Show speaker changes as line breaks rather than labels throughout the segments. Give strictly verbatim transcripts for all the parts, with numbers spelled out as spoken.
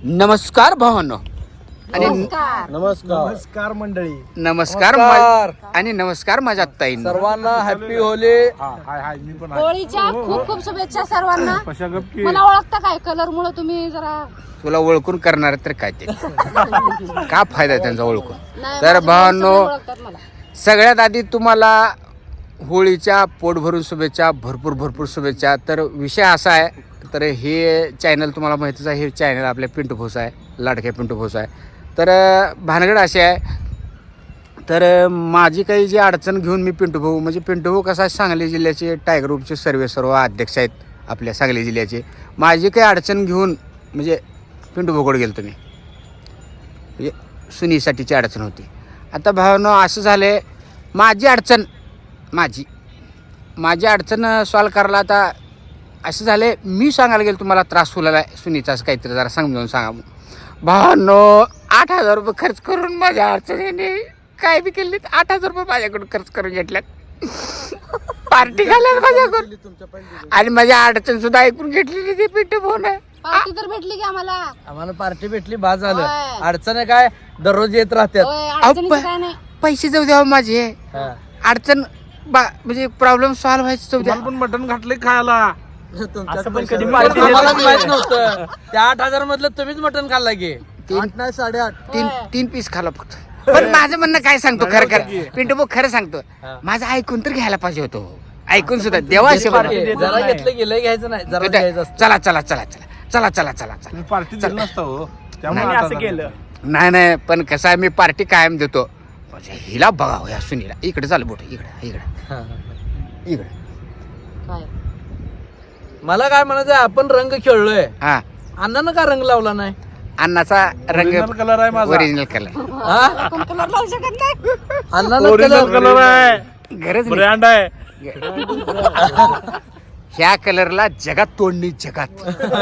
नमस्कार भावांनो आणि
नमस्कार
नमस्कार मंडळी.
नमस्कार मा- आणि नमस्कार माझ्या ताई
सर्वांना हॅपी होली.
हाय हाय मी पण आहे.
होळीच्या खूप खूप शुभेच्छा सर्वांना.
कशा गप्पी
मला ओळखता काय कलर मुळे तुम्ही जरा
तुला ओळखून करणार तर काय ते का फायदा त्यांचा ओळखून.
नाही,
तर
माझे
भावांनो
सगळे ओळखतात मला.
सगळ्यात आधी तुम्हाला होळीच्या पोट भरून शुभेच्छा, भरपूर भरपूर शुभेच्छा. तर विषय असा आहे, तर हे चॅनल तुम्हाला माहितीच आहे, हे चॅनल आपल्या पिंटू भोस आहे, लाडक्या पिंटू भोस आहे. तर भानगड अशी आहे, तर माझी काही जी अडचण घेऊन मी पिंटू भाऊ, म्हणजे पिंटू भाऊ कसा सांगली जिल्ह्याचे टायगर ग्रुपचे सर्वे सर्व अध्यक्ष आहेत आपल्या सांगली जिल्ह्याचे. माझी काही अडचण घेऊन म्हणजे पिंटू भाऊकडे गेलो तुम्ही, म्हणजे सुनीसाठीची अडचण होती. आता भावनो असं झालं आहे, माझी अडचण माझी माझी अडचण सॉल्व करायला आता असं झालं आहे, मी सांगायला गेलो तुम्हाला त्रास होलेला आहे सुनीचा, असं काहीतरी जरा समजावून सांगा. भावनो आठ हजार रुपये खर्च करून माझ्या अडचणीने काय बी केली, आठ हजार रुपये माझ्याकडून खर्च करून घेतल्यात, पार्टी घालत माझ्याकडून, आणि माझ्या अडचण सुद्धा ऐकून घेतली ते पिंटू भाऊ ना.
पार्टी तर भेटली की आम्हाला.
आम्हाला पार्टी भेटली, बाद झालं.
होय.
अडचण आहे काय, दररोज येत राहतात.
होय, अडचणीचं काय नाही.
पैसे जाऊ द्यावं माझे,
हा.
अडचण बा म्हणजे प्रॉब्लेम सॉल्व्ह व्हायचं जाऊ द्या.
मला पण मटण घातले खायला.
असं पण कधी पार्टी आम्हालाच माहित नव्हतं. त्या आठ हजार मधलं तुम्हीच मटण खाल्ला की.
तीन
नाही साडेआठ.
तीन तीन पीस खाला फक्त. पण माझं म्हणणं काय सांगतो, खरं खरं पिंटू भाऊ खरं सांगतो, माझं ऐकून तर घ्यायला पाहिजे होतो, ऐकून सुद्धा देवाशे
जरा घेतलं गेलं घ्यायचं नाही, जरा घ्यायचं असतं.
चला चला चला चला चला चला चला चला.
मी पार्टी दिली नसतं हो, त्यामुळे
नाही,
आठ
असं
हजार
केलं. नाही नाही, पण कसं आहे, मी पार्टी कायम देतो. म्हणजे हिला बघावं या सुनीला, इकडे चालू बोट, इकडे इकडे
हा.
इकडे.
काय?
मला काय म्हणायचं, आपण रंग खेळलोय,
हा,
अण्णानं का रंग लावला नाही?
अन्नाचा रंग
Original कलर आहे माझा.
Original colour.
हा?
आपण कलर लावू शकत नाही.
अण्णानं
ओरिजिनल
कलर
कलर आहे,
गरज नाही.
ब्रँड आहे.
ह्या कलरला जगात तोडणी, जगात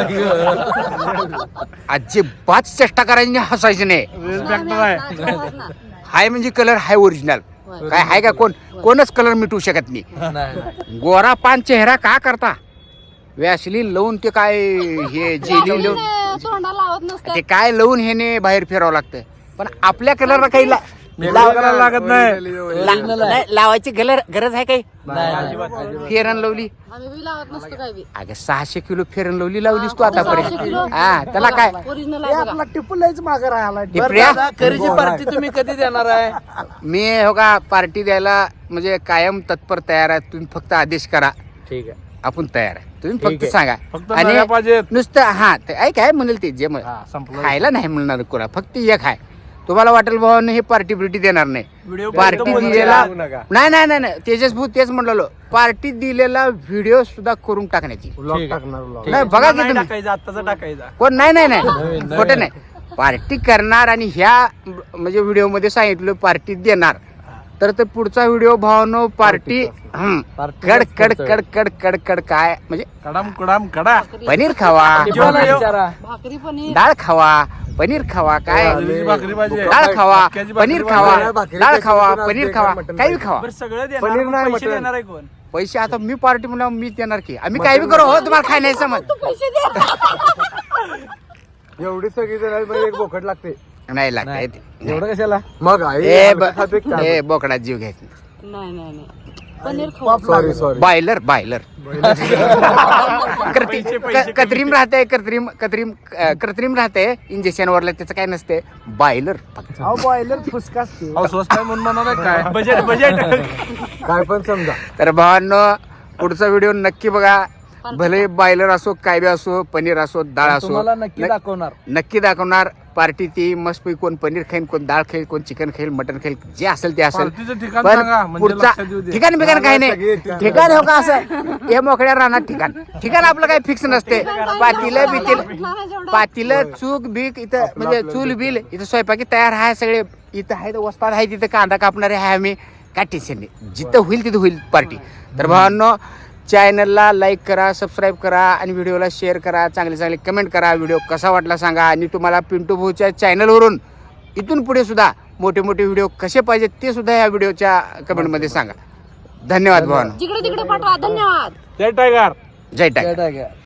अजिबात चेष्टा करायची नाही, हसायची नाही.
वेल फॅक्टर आहे.
नाचणार ना.
हाय म्हणजे कलर हाय ओरिजिनल.
होय.
काय हाय का, कोण कोणच कलर मिटवू शकत नाही.
नाही, नाही.
गोरा पान चेहरा का करता, वॅसलीन लावून ते काय हे जेली लावून
त्याने तोंडाला लावत नसतात.
ते काय लावून ह्याने बाहेर फिरावं लागतं. पण आपल्या कलरला काही ला-
Makeup करायला लागत नाही.
ला- नाही, लावायची गलर गरज आहे काही.
नाही, नाही.
फेरन लावली,
आम्ही बी लावत नसतो काय बी.
अगं सहाशे किलो फेरन लावली लावलीस तू
सहाशे
आतापर्यंत.
किलो.
हा, त्याला काय
ओरिजिनल आहे बघा.
टिपूलाच मागे राहिला.
हे
बरं
प्रिया,
दादा, करीची पार्टी तुम्ही कधी देणार आहे?
मी हो का पार्टी द्यायला म्हणजे कायम तत्पर तयार आहे. तुम्ही फक्त आदेश करा,
ठीक आहे.
आपण तयार आहे. तुम्ही
ठीक
फक्त
आहे.
सांगा.
फक्त नव्या पाहिजेत.
नुसतं हा ते ऐक काय म्हणेल ते जे म्हण-
हा, संपलं.
खायला नाही म्हणणार कोणा, फक्त एक आहे. तुम्हाला वाटेल भावानं हे पार्टी बिर्टी देणार नाही. पार्टी दिलेला नाही नाही नाही नाही तेजस भाऊ तेच म्हणलो, पार्टी दिलेला व्हिडिओ सुद्धा करून टाकण्याची.
Vlog टाकणार vlog.
नाही बघा की तुम्ही कोण नाही नाही नाही खोटं नाही. पार्टी करणार आणि ह्या म्हणजे व्हिडिओ मध्ये सांगितलं पार्टी देणार, तर ते पुढचा व्हिडिओ भावानो पार्टी हम्म
पार्टी
कड कड कड कड कड कड काय म्हणजे
कडाम कडाम कडा.
पनीर खावा,
जेवणाला विचारा.
भाकरी पनीर.
डाळ खावा, पनीर खावा, काय
बाजरीची भाकरी पाहिजे.
डाळ खावा,
मक्याची भाकरी
पनीर खावा,
पाहिजे.
डाळ खावा, पनीर खावा, काही खावा.
पनीर नाही मटण.
पैसे आता मी पार्टी म्हणून मी देणार की, आम्ही काही बी करू हो, तुम्हाला खाय नाही समज.
तू पैसे दे.
एवढी सगळी जण एक बोकड लागते.
नाही लागत
एवढं कशाला?
मग
ए ब- ए, बोकडा जीव घ्यायचा.
नाही नाही नाही. पनीर खाऊ.
Sorry sorry.
बॉयलर बॉयलर कृत्रिम राहते, कृत्रिम कृत्रिम अं, कृत्रिम राहते इंजेक्शन वरला, त्याचं काय नसते. बॉयलर फक्त.
बॉयलर फुसका स्वस्त आहे म्हणून म्हणाला काय बजेट बजेट काय पण समजा.
तर भावांनो पुढचा व्हिडिओ नक्की बघा. भले बॉयलर असो, काय बी असो, पनीर असो, डाळ असो,
तुम्हाला नक्की दाखवणार.
नक्की दाखवणार. पार्टी ती मस्त कोण पनीर खाईल, कोण डाळ खाईल, कोण चिकन खाईल, मटन खाईल, जे असेल ते असेल.
पार्टीचं ठिकाण
पण
सांगा, म्हणजे
पुढचा
लक्षात येऊ दे.
ठिकाण बिकाण काही नाही. ठिकाण हो का असं हे मोकळ्या राहणार ठिकाण. ठिकाण आपलं काही फिक्स नसते. पातीलं बितील पातीलं चूक बीक इथं म्हणजे चूल बिल इथं स्वयंपाकी तयार आहे, सगळे इथं आहे, वस्ताद आहे, तिथं कांदा कापणारे आहे आम्ही. काय टेन्शन नाही, जिथं होईल तिथं होईल पार्टी. तर भावांनो चॅनलला लाईक करा, सबस्क्राईब करा आणि व्हिडिओला शेअर करा, चांगले चांगले कमेंट करा. व्हिडिओ कसा वाटला सांगा. आणि तुम्हाला पिंटू भाऊच्या चॅनलवरून इथून पुढे सुद्धा मोठे मोठे व्हिडिओ कसे पाहिजेत ते सुद्धा या व्हिडिओच्या कमेंटमध्ये सांगा. धन्यवाद भावांनो.
जिकडे तिकडे पाठवा. धन्यवाद.
जय टायगर.
जय टायगर.
जय टायगर.